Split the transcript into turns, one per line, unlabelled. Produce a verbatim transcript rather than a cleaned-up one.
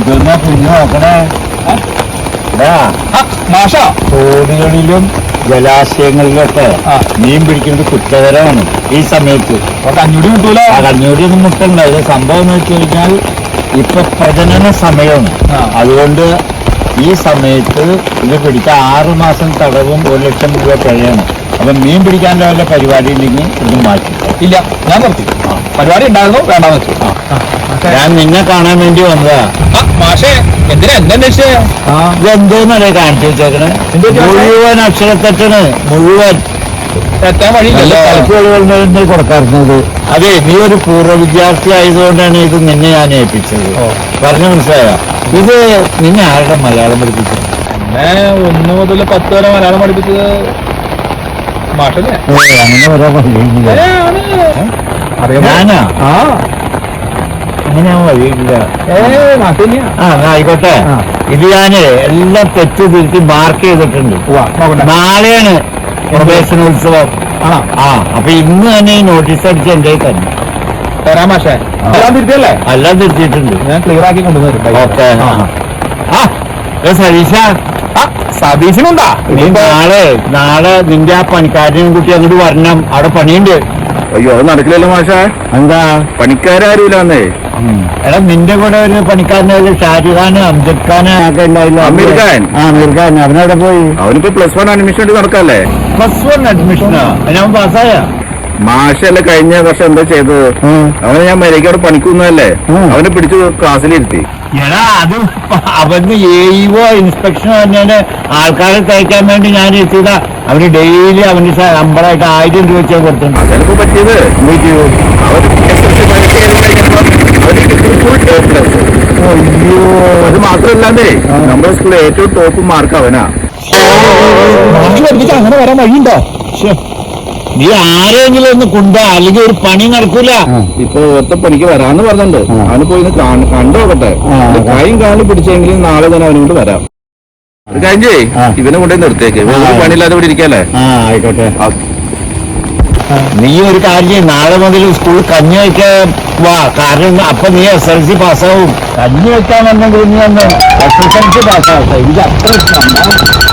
ഇതൊന്നാ കുഞ്ഞു നോക്കണേ. തോടുകളിലും ജലാശയങ്ങളിലൊക്കെ മീൻ പിടിക്കുന്നത് കുറ്റകരമാണ് ഈ സമയത്ത്. കഞ്ഞൂടി മുട്ടൂല. ആ കഞ്ഞൂടി ഒന്നും മുട്ടണ്ട. ഇത് സംഭവം എന്ന് വെച്ച് കഴിഞ്ഞാൽ ഇപ്പൊ പ്രജനന സമയമാണ്. അതുകൊണ്ട് ഈ സമയത്ത് ഇത് പിടിക്കാൻ ആറു മാസം തടവും ഒരു ലക്ഷം രൂപ പിഴയാണ്. അപ്പൊ മീൻ പിടിക്കാൻ്റെ വല്ല പരിപാടി ഉണ്ടെങ്കിൽ ഇത് മാറ്റി. ഇല്ല, ഞാൻ നിർത്തി. പരിപാടി ഉണ്ടായിരുന്നു, വേണ്ടാന്ന് വെച്ചു. ഞാൻ നിന്നെ കാണാൻ വേണ്ടി വന്നതാ. മാഷേ, എന്തിനാ എന്തന്വേഷിച്ചേ? ഇതെന്തോന്നല്ലേ കാണിച്ചു വെച്ചേക്കണേ? മുഴുവൻ അക്ഷരത്തെറ്റാണ്, മുഴുവൻ തെറ്റാൻ വഴിയില്ലല്ലോ. തലക്കുകളിൽ കൊടുക്കാറുന്നത്. അതെ, നീ ഒരു പൂർവ്വ വിദ്യാർത്ഥി ആയതുകൊണ്ടാണ് ഇത് നിന്നെ ഞാൻ ഏൽപ്പിച്ചത്. പറഞ്ഞു മനസ്സിലായോ? ഇത് നിന്നെ ആരുടെ മലയാളം പഠിപ്പിച്ചത്? എന്നെ ഒന്ന് മുതൽ പത്ത് വരെ മലയാളം പഠിപ്പിച്ചത് മാഷല്ലേ? അങ്ങനെ വരാൻ വഴിയില്ല. ഞാനാ? ആ, അങ്ങനെ ഞാൻ വഴിയില്ല. ആ, ആയിക്കോട്ടെ. ഇത് ഞാന് എല്ലാം തെറ്റ് തിരുത്തി മാർക്ക് ചെയ്തിട്ടുണ്ട്. നാളെയാണ് പ്രവേശനോത്സവം. ആ, അപ്പൊ ഇന്ന് തന്നെ ഈ നോട്ടീസ് അടിച്ച് എന്റെ തന്നെ തരാം മാഷേ. എല്ലാം തിരുത്തിയല്ലേ? എല്ലാം തിരുത്തിയിട്ടുണ്ട്. ഞാൻ ക്ലിയർ ആക്കി കൊണ്ടുവരും. ഓക്കെ. ആ സതീശ, സതീശനുണ്ടാ? നീ നാളെ നാളെ നിന്റെ ആ പണിക്കാരനെയും കുട്ടി അങ്ങോട്ട് വരണം. അവിടെ പണിയുണ്ട്.
അയ്യോ, അത് നടക്കില്ലല്ലോ മാഷാ.
എന്താ?
പണിക്കാരാരുമില്ലാന്നേ.
എടാ, നിന്റെ കൂടെ ഒരു പണിക്കാരനായാലും ഷാജി ഖാന് അംജദ് ഖാന് ഒക്കെ ഉണ്ടായില്ല.
അമീർ ഖാൻ.
ആ, അമീർ ഖാൻ. അവനവിടെ പോയി.
അവനിപ്പോ പ്ലസ് വൺ അഡ്മിഷൻ വേണ്ടി നടക്കല്ലേ?
പ്ലസ് വൺ അഡ്മിഷനാ? ഞാൻ പാസ്സായ.
മാഷല്ലേ കഴിഞ്ഞ വർഷം എന്താ ചെയ്തത്? അവനെ ഞാൻ മര്യാദയ്ക്ക് പണിക്കുന്നതല്ലേ, അവനെ പിടിച്ച് ക്ലാസ്സിലിരുത്തി.
എടാ, അത് അവന് എഇഒ ഇൻസ്പെക്ഷൻ പറഞ്ഞാല് ആൾക്കാരെ തയ്ക്കാൻ വേണ്ടി ഞാൻ എത്തിയതാ. അവന് ഡെയിലി അവന് ശമ്പളമായിട്ട് ആയിരം രൂപ വെച്ചാൽ കൊടുത്തിട്ടുണ്ട്.
അതെനിക്ക് പറ്റിയത് അയ്യോ, അത് മാത്രമല്ലാന്നേ, നമ്മുടെ സ്കൂളിൽ ഏറ്റവും ടോപ്പ് മാർക്ക് അവനാ.
അങ്ങനെ വരാൻ വഴിയുണ്ടോ? നീ ആരെങ്കിലും ഒന്ന് കൊണ്ടാ, അല്ലെങ്കിൽ ഒരു പണി നടക്കൂല.
ഇപ്പൊ ഒറ്റ പണിക്ക് വരാന്ന് പറഞ്ഞിട്ടുണ്ട്. അവന് പോയി കണ്ടു നോക്കട്ടെ. കൈയും കാലും പിടിച്ചെങ്കിലും നാളെ തന്നെ അവനോട് വരാം. കഴിഞ്ഞേ ഇവനെ കൊണ്ടുപോയി നിർത്തിയേക്ക്. പണിയില്ലാതെ ഇവിടെ ഇരിക്കല്ലേ?
ആ, ആയിക്കോട്ടെ. നീ ഒരു കാര്യം, നാളെ മുതൽ സ്കൂളിൽ കഞ്ഞി വയ്ക്കാൻ വാ. കാരണം അപ്പൊ നീ എസ് എൽ സി പാസ്സാവും. കഞ്ഞി വെക്കാൻ വന്നെങ്കിൽ നീ ഒന്ന് എസ് എസ് എൽ സി പാസ്സാവും. ഇത് അത്ര